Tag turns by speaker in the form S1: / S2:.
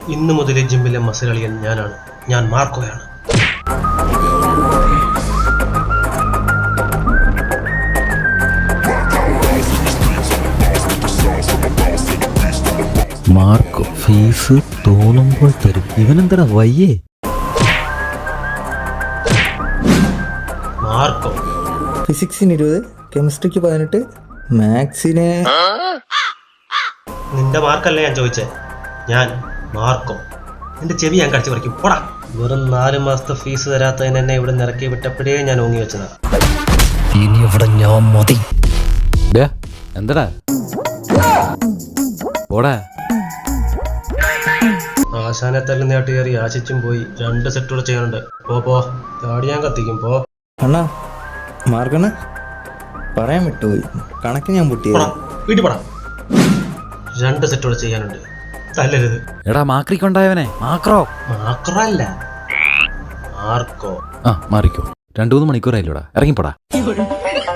S1: ഇന്നു മുതൽ ജിമ്മിലെ മസിലളിയൻ ഞാനാണ്. ഞാൻ മാർക്കോയാണ്.
S2: മാർക്കോ ഫീസ് തോന്നുമ്പോൾ തരും. ഇവനെന്താ വയ്യേ?
S1: മാർക്കോ
S3: ഫിസിക്സിന് 20, കെമിസ്ട്രിക്ക് 18, മാത്സിന്.
S1: നിന്റെ മാർക്കല്ലേ ഞാൻ ചോദിച്ചേ. ഞാൻ മാർക്കോ. നിന്റെ ചെവി ഞാൻ കടിച്ചു പറിക്കും. പോടാ. വെറും 4 മാസത്തെ ഫീസ് തരാത്തതിന് എന്നെ ഇവിടെ നിറക്കി വിട്ടപ്പോഴേ ഞാൻ ഓങ്ങി വെച്ചതാ.
S2: ഇനി ഇവിടെ ഞാൻ മതി. എന്താടാ പോടാ.
S1: ആശാനെ തല്ലുന്നേട്ട് കയറി ആശിച്ചും പോയി. 2 സെറ്റ് കൂടെ ചെയ്യാനുണ്ട്. പോ താടി ഞാൻ കത്തിക്കും. പോ
S3: അണ്ണാ മാർക്കണ്ണ പറയാൻ വിട്ടുപോയി. കണക്ക് ഞാൻ പൊട്ടിയത്.
S1: വീട്ടിൽ പോടാ. 2 സെറ്റ് കൂടെ ചെയ്യാനുണ്ട്. തല്ലരുത്.
S2: എടാ മാക്രിക്കൊണ്ടായവനെ. മാക്രോ
S1: അല്ല മാർക്കോ.
S2: മാറിക്കോ. 2-3 മണിക്കൂറായില്ലോടാ. ഇറങ്ങിപ്പോടാ.